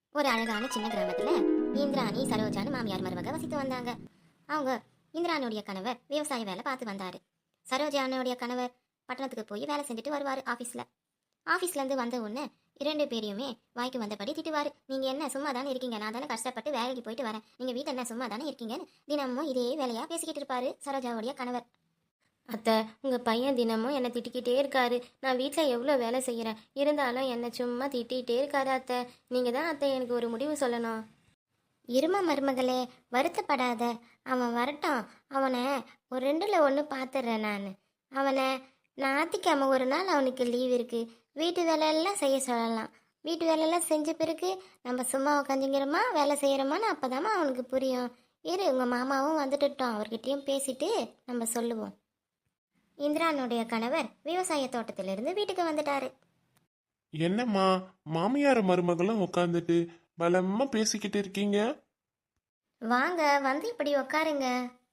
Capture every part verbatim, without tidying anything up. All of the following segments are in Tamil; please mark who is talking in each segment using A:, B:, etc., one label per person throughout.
A: ஒரு அழகான சின்ன கிராமத்துல இந்திராணி சரோஜான்னு மாமியார் மருமக வசித்து வந்தாங்க. அவங்க இந்திராணியுடைய கணவர் விவசாய வேலை பார்த்து வந்தாரு. சரோஜானுடைய கணவர் பட்டணத்துக்கு போய் வேலை செஞ்சுட்டு வருவாரு. ஆபீஸ்ல ஆபீஸ்ல இருந்து வந்த உடனே இரண்டு பேரையுமே வாய்க்கு வந்தபடி திட்டுவாரு. நீங்க என்ன சும்மா தானே இருக்கீங்க, நான் தானே கஷ்டப்பட்டு வேலைக்கு போயிட்டு வரேன், நீங்க வீட்டில் என்ன சும்மா தானே இருக்கீங்கன்னு தினமும் இதே வேலையா பேசிக்கிட்டு இருப்பாரு சரோஜாவுடைய கணவர். அத்தை, உங்கள் பையன் தினமும் என்னை திட்டிக்கிட்டே இருக்காரு. நான் வீட்டில் எவ்வளோ வேலை செய்கிறேன், இருந்தாலும் என்னை சும்மா திட்டிகிட்டே இருக்காரு அத்தை. நீங்கள் தான் அத்தை எனக்கு ஒரு முடிவு சொல்லணும். இரும மருமகளே, வருத்தப்படாத. அவன் வரட்டும். அவனை ஒரு ரெண்டில் ஒன்று பார்த்துட்றேன் நான். அவனை ஞாயிற்றுக்கிழமை ஒரு நாள் அவனுக்கு லீவ் இருக்குது. வீட்டு வேலையெல்லாம் செய்ய சொல்லலாம். வீட்டு வேலையெல்லாம் செஞ்ச பிறகு நம்ம சும்மா உட்காந்துங்கிறோமா வேலை செய்கிறோமான்னு அப்போ தாம்மா அவனுக்கு புரியும். இரு, உங்கள் மாமாவும் வந்துட்டுட்டோம், அவர்கிட்டையும் பேசிட்டு நம்ம சொல்லுவோம். இந்திரானுடைய கணவர் விவசாய தோட்டத்திலிருந்து வீட்டுக்கு வந்துட்டாரு.
B: என்னம்மா மாமியார் மருமகளும் உட்காந்துட்டு பலமா பேசிக்கிட்டு இருக்கீங்க?
A: வாங்க, வந்து இப்படி உக்காருங்க.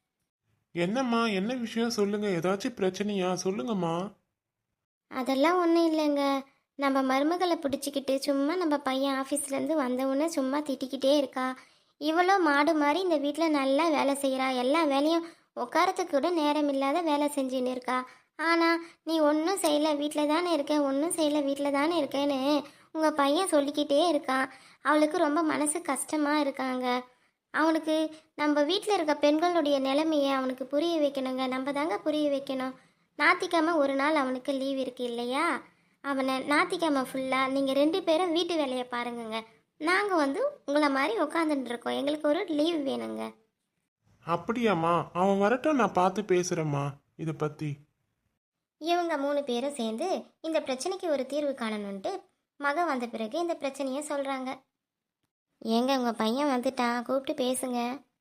B: என்னம்மா என்ன விஷயம் சொல்லுங்க, ஏதாச்சும் பிரச்சனையா சொல்லுங்கம்மா.
A: அதெல்லாம் ஒன்றும் இல்லைங்க. நம்ம மருமகளை பிடிச்சிக்கிட்டு சும்மா நம்ம பையன் ஆஃபீஸ்லேருந்து வந்தவுடனே சும்மா திட்டிக்கிட்டே இருக்கா. இவ்வளோ மாடு மாதிரி இந்த வீட்டில் நல்லா வேலை செய்கிறா, எல்லா வேலையும் உட்காரத்துக்கு கூட நேரம் இல்லாத வேலை செஞ்சுன்னு இருக்கா. ஆனால் நீ ஒன்றும் செய்யலை, வீட்டில் தானே இருக்க, ஒன்றும் செய்யலை, வீட்டில் தானே இருக்கேன்னு உங்கள் பையன் சொல்லிக்கிட்டே இருக்கான். அவளுக்கு ரொம்ப மனசு கஷ்டமாக இருக்காங்க. அவனுக்கு நம்ம வீட்டில் இருக்க பெண்களுடைய நிலைமையை அவனுக்கு புரிய வைக்கணுங்க. நம்ம தாங்க புரிய வைக்கணும். ஞாயிற்றுக்கிழமை ஒரு நாள் அவனுக்கு லீவ் இருக்கு இல்லையா? அவனை ஞாயிற்றுக்கிழமை ஃபுல்லாக நீங்கள் ரெண்டு பேரும் வீட்டு வேலையை பாருங்கங்க. நாங்கள் வந்து உங்களை மாதிரி உட்காந்துட்டு இருக்கோம், எங்களுக்கு ஒரு லீவ் வேணுங்க.
B: அப்படியாம்மா, அவன் வரட்டும், நான் பார்த்து பேசுறேம்மா இதை பத்தி.
A: இவங்க மூணு பேரும் சேர்ந்து இந்த பிரச்சனைக்கு ஒரு தீர்வு காணணுன்ட்டு மக வந்த பிறகு இந்த பிரச்சனையை சொல்கிறாங்க. ஏங்க, உங்கள் பையன் வந்துட்டான், கூப்பிட்டு பேசுங்க.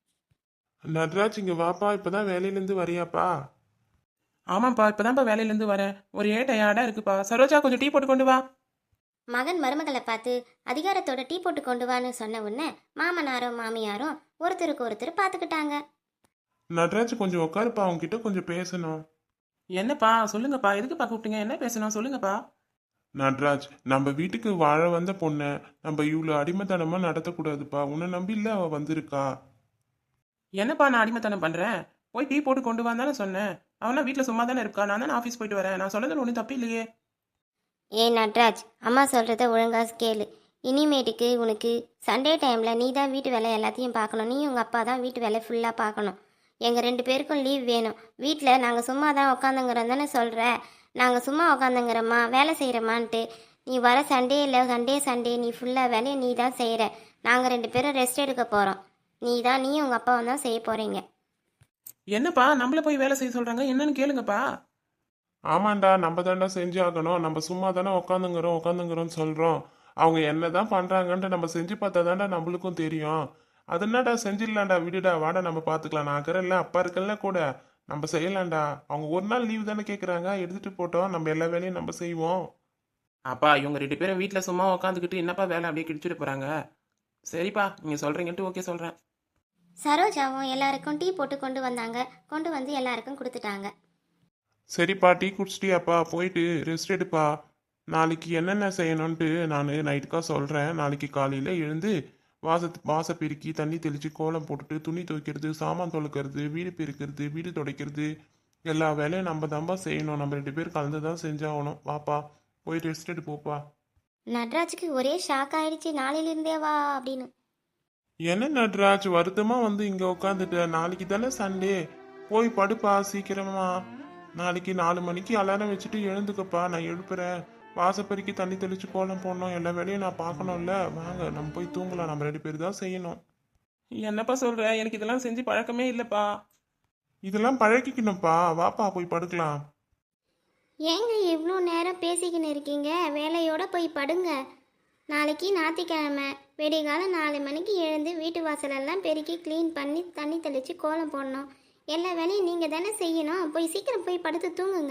B: நட்ராஜ் இங்க வாப்பா, இப்பதான் வேலையிலேருந்து வரியாப்பா?
C: ஆமாப்பா, இப்பதான்ப்பா வேலையிலேருந்து வரேன். ஒரே டயர்டா இருக்குப்பா. சரோஜா, கொஞ்சம் டீ போட்டு கொண்டு வா.
A: மகன் மருமகளை பார்த்து அதிகாரத்தோட டீ போட்டு கொண்டு வான்னு சொன்ன உடனே மாமனாரும் மாமியாரும் ஒருத்தருக்கு ஒருத்தர் பார்த்துக்கிட்டாங்க.
B: நட்ராஜ் கொஞ்சம் உட்காருப்பா, அவன்கிட்ட கொஞ்சம் பேசணும்.
C: என்னப்பா சொல்லுங்கப்பா, எதுக்குப்பா கூப்பிட்டீங்க, என்ன பேசணும் சொல்லுங்கப்பா.
B: நட்ராஜ், நம்ம வீட்டுக்கு வாழ வந்த பொண்ணை நம்ம இவ்வளோ அடிமைத்தனமா நடத்தக்கூடாதுப்பா. உன்னை நம்பி இல்லை அவ வந்திருக்கா.
C: என்னப்பா நான் அடிமைத்தனம் பண்றேன்? போய் டீ போட்டு கொண்டு வான்னு தானே சொன்னேன். அவனா வீட்டில் சும்மா தானே இருக்கா, நான் தானே ஆஃபீஸ் போயிட்டு வரேன். நான் சொன்னதில் ஒன்றும் தப்பு இல்லையே.
A: ஏ நட்ராஜ், அம்மா சொல்கிறத ஒழுங்காக கேளு. இனிமேட்டுக்கு உனக்கு சண்டே டைமில் நீ தான் வீட்டு வேலை எல்லாத்தையும் பார்க்கணும். நீ உங்கள் அப்பா தான் வீட்டு வேலை ஃபுல்லாக பார்க்கணும். எங்கள் ரெண்டு பேருக்கும் லீவ் வேணும். வீட்டில் நாங்கள் சும்மா தான் உக்காந்துங்கிறோம் தானே சொல்கிற. நாங்கள் சும்மா உக்காந்துங்கிறோம்மா, வேலை செய்கிறோமான்ட்டு. நீ வர சண்டே இல்லை, சண்டே சண்டே நீ ஃபுல்லாக வேலையை நீ தான் செய்கிற. நாங்கள் ரெண்டு பேரும் ரெஸ்ட் எடுக்க போகிறோம். நீ தான் நீ உங்கள் அப்பாவும் தான் செய்ய போகிறீங்க.
C: என்னப்பா நம்மள போய் வேலை செய்ய சொல்றாங்க, என்னன்னு கேளுங்கப்பா.
B: ஆமாண்டா, நம்ம தாண்டா செஞ்சு ஆகணும். நம்ம சும்மா தானே உட்காந்துங்கிறோம் உட்காந்துங்கிறோம்னு சொல்றோம். அவங்க என்னதான் பண்றாங்கன்ட்டு நம்ம செஞ்சு பார்த்தா தாண்டா நம்மளுக்கும் தெரியும். அது என்னடா செஞ்சிடலாம்டா, விடுடா, வாடா நம்ம பார்த்துக்கலாம். நான் இருக்கிறேன்ல, அப்பா இருக்கல கூட, நம்ம செய்யலாம்டா. அவங்க ஒரு நாள் லீவ் தானே கேட்குறாங்க, எடுத்துட்டு போட்டோம், நம்ம எல்லா வேலையும் நம்ம செய்வோம்.
C: அப்பா இவங்க ரெண்டு பேரும் வீட்டில் சும்மா உட்காந்துக்கிட்டு என்னப்பா வேலை அப்படியே கிடிச்சிட்டு போறாங்க. சரிப்பா, நீங்க சொல்றீங்கன்ட்டு ஓகே சொல்றேன்.
A: சரோஜாவும் எல்லாருக்கும் டீ போட்டு கொண்டு வந்தாங்க. கொண்டு வந்து எல்லாருக்கும் கொடுத்துட்டாங்க.
B: சரிப்பா, டீ குடிச்சிட்டியாப்பா? போயிட்டு ரெஸ்ட் எடுப்பா. நாளைக்கு என்னென்ன செய்யணும்ன்ட்டு நான் நைட்டுக்கா சொல்கிறேன். நாளைக்கு காலையில் எழுந்து வாசத்து வாச பெருக்கி தண்ணி தெளித்து கோலம் போட்டுட்டு துணி துவைக்கிறது, சாமான் துளக்கிறது, வீடு பெருக்கிறது, வீடு துடைக்கிறது, எல்லா வேலையும் நம்ம தான்ப்பா செய்யணும். நம்ம ரெண்டு பேர் கலந்து தான் செஞ்சாகணும். வாப்பா, போய் ரெஸ்ட் எடுப்போப்பா.
A: நட்ராஜுக்கு ஒரே ஷாக் ஆயிடுச்சு. நாளையிலிருந்தே வா அப்படின்னு.
B: என்ன நட்ராஜ், வருத்தமாக வந்து இங்கே உட்காந்துட்ட? நாளைக்கு தானே சண்டே, போய் படுப்பா சீக்கிரமா. நாளைக்கு நாலு மணிக்கு அலாரம் வச்சுட்டு எழுந்துக்கப்பா, நான் எழுப்புறேன். வாசப்பறிக்கு தண்ணி தெளிச்சு கோலம் போடணும், எல்லா வேலையும் நான் பார்க்கணும்ல. வாங்க நம்ம போய் தூங்கலாம், நம்ம ரெண்டு பேர் தான் செய்யணும்.
C: என்னப்பா சொல்ற, எனக்கு இதெல்லாம் செஞ்சு பழக்கமே இல்லப்பா.
B: இதெல்லாம் பழகிக்கணும்ப்பா, வாப்பா போய் படுக்கலாம்.
A: ஏங்க இவ்வளோ நேரம் பேசிக்கின்னு இருக்கீங்க? வேலையோட போய் படுங்க. நாளைக்கு ஞாயிற்றுக்கிழமை விடிகாலம் நாலு மணிக்கு எழுந்து வீட்டு வாசலெல்லாம் பெருக்கி க்ளீன் பண்ணி தண்ணி தெளித்து கோலம் போடணும். எல்லா வேலையும் நீங்கள் தானே செய்யணும். போய் சீக்கிரம் போய் படுத்து தூங்குங்க.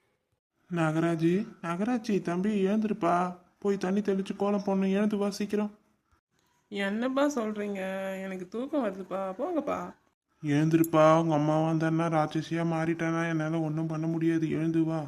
B: நகராஜி, நகராஜி தம்பி எழுந்துருப்பா, போய் தண்ணி தெளிச்சு கோலம் போடணும், எழுந்து வா சீக்கிரம்.
C: என்னப்பா சொல்றீங்க, எனக்கு தூக்கம் வருதுப்பா, போங்கப்பா.
B: எழுந்திருப்பா, உங்க அம்மா வந்தான்னா ராட்சசியா மாறிட்டானா என்னால் ஒன்றும் பண்ண முடியாது. எழுந்து வா.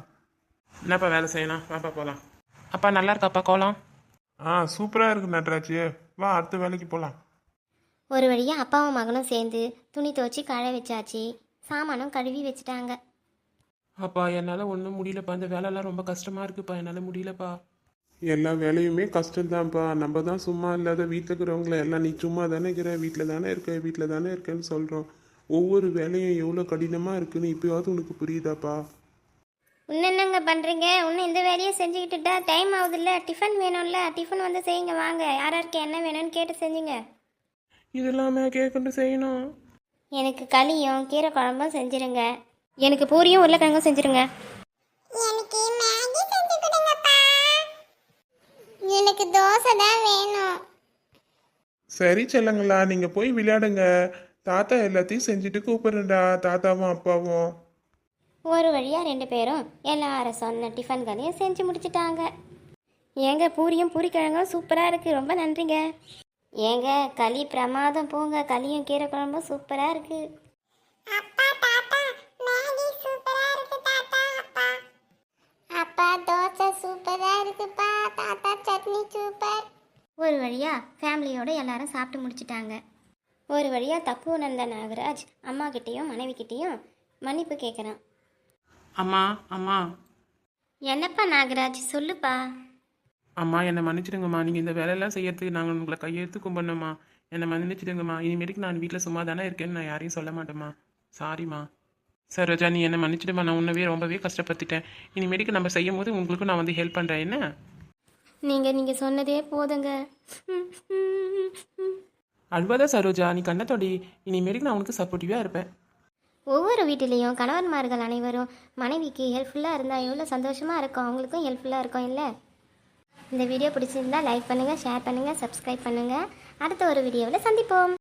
C: என்னப்பா வேலை செய்யணும், வாப்பா போகலாம். அப்பா நல்லா இருக்காப்பா கோலம்?
B: ஆ சூப்பராக இருக்கு நட்ராஜ், வா அடுத்த வேலைக்கு போகலாம்.
A: ஒரு வழியாக அப்பாவும் மகனும் சேர்ந்து துணி துவச்சி கழ வச்சாச்சு. சாமானும் கழுவி வச்சுட்டாங்க.
C: அப்பா என்னால் ஒன்றும் முடியலப்பா, இந்த வேலைலாம் ரொம்ப கஷ்டமாக இருக்குப்பா, என்னால் முடியலப்பா.
B: எல்லா வேலையுமே கஷ்டம்தான்ப்பா. நம்ம தான் சும்மா இல்லாத வீட்டில் இருக்கிறவங்கள எல்லாம் நீ சும்மா தானே இருக்கிற, வீட்டில் தானே இருக்க, வீட்டில் தானே இருக்கேன்னு சொல்கிறோம். ஒவ்வொரு வேலையும் எவ்வளோ கடினமாக இருக்குன்னு இப்போயாவது உனக்கு புரியுதாப்பா?
A: இன்னும் என்னங்க பண்ணுறீங்க? இன்னும் இந்த வேலையை செஞ்சுக்கிட்டுட்டா டைம் ஆகுதுல்ல. டிஃபன் வேணும்ல, டிஃபன் வந்து செய்யுங்க. வாங்க, யார் யாருக்கு என்ன வேணும்னு கேட்டு செஞ்சுங்க.
C: இதெல்லாமே கேட்கண்டு செய்யணும்.
A: எனக்கு களியும் கீரை குழம்பும் செஞ்சுருங்க. எனக்கு பூரியும் உருளைக்கிழங்கும் செஞ்சுருங்க. எனக்கு மேகி செஞ்சு கொடுங்கப்பா. எனக்கு தோசை தான் வேணும்.
B: சரி செல்லங்களா, நீங்கள் போய் விளையாடுங்க. தாத்தா எல்லாத்தையும் செஞ்சுட்டு கூப்பிடுறா, தாத்தாவும் அப்பாவும்.
A: ஒரு வழியாக ரெண்டு பேரும் எல்லாரும் சொன்ன டிஃபன்களையும் செஞ்சு முடிச்சிட்டாங்க. ஏங்க பூரியும் பூரிக்கிழங்கும் சூப்பராக இருக்குது, ரொம்ப நன்றிங்க. ஏங்க களி பிரமாதம் போங்க, களியும் கீரை குழம்பும் சூப்பராக இருக்குது. அப்பா தாத்தா மேகி சூப்பரா இருக்கு தாத்தா. அப்பா அப்பா தோசை சூப்பரா இருக்குப்பா. தாத்தா சட்னி சூப்பர். ஒரு வழியா ஃபேமிலியோட எல்லாரும் சாப்பிட்டு முடிச்சிட்டாங்க. ஒரு வழியா தப்பு உணர்ந்த நாகராஜ் அம்மா கிட்டேயும் மனைவி கிட்டேயும் மன்னிப்பு கேட்குறான்.
C: அம்மா அம்மா
A: என்னப்பா நாகராஜ், சொல்லுப்பா.
C: அம்மா என்னை மன்னிச்சிடுங்கம்மா, நீங்கள் இந்த வேலையெல்லாம் செய்யறதுக்கு நாங்கள் உங்களை கையெழுத்து கும்பிடணும்மா. என்னை மன்னிச்சிடுங்கம்மா. இனிமேட்டுக்கு நான் வீட்டில் சும்மா தானே இருக்கேன்னு நான் யாரையும் சொல்ல மாட்டேம்மா. சாரிம்மா. சரோஜா நீ என்னை மன்னிச்சிடுமா, நான் உன்னவே ரொம்பவே கஷ்டப்பட்டுட்டேன். இனிமேட்டுக்கு நம்ம செய்யும் போது உங்களுக்கும் நான் வந்து ஹெல்ப் பண்ணுறேன் என்ன?
A: நீங்கள் நீங்கள் சொன்னதே போதுங்க.
C: அழுவாத சரோஜா, நீ கண்ணத்தோடி. இனிமேட்டுக்கு நான் உனக்கு சப்போர்ட்டிவாக இருப்பேன்.
A: ஒவ்வொரு வீட்டிலையும் கணவன்மார்கள் அனைவரும் மனைவிக்கு ஹெல்ப்ஃபுல்லாக இருந்தால் எவ்வளோ சந்தோஷமாக இருக்கும், அவங்களுக்கும் ஹெல்ப்ஃபுல்லாக இருக்கும் இல்லை? இந்த வீடியோ பிடிச்சிருந்தா லைக் பண்ணுங்கள், ஷேர் பண்ணுங்கள், சப்ஸ்கிரைப் பண்ணுங்கள். அடுத்த ஒரு வீடியோவில் சந்திப்போம்.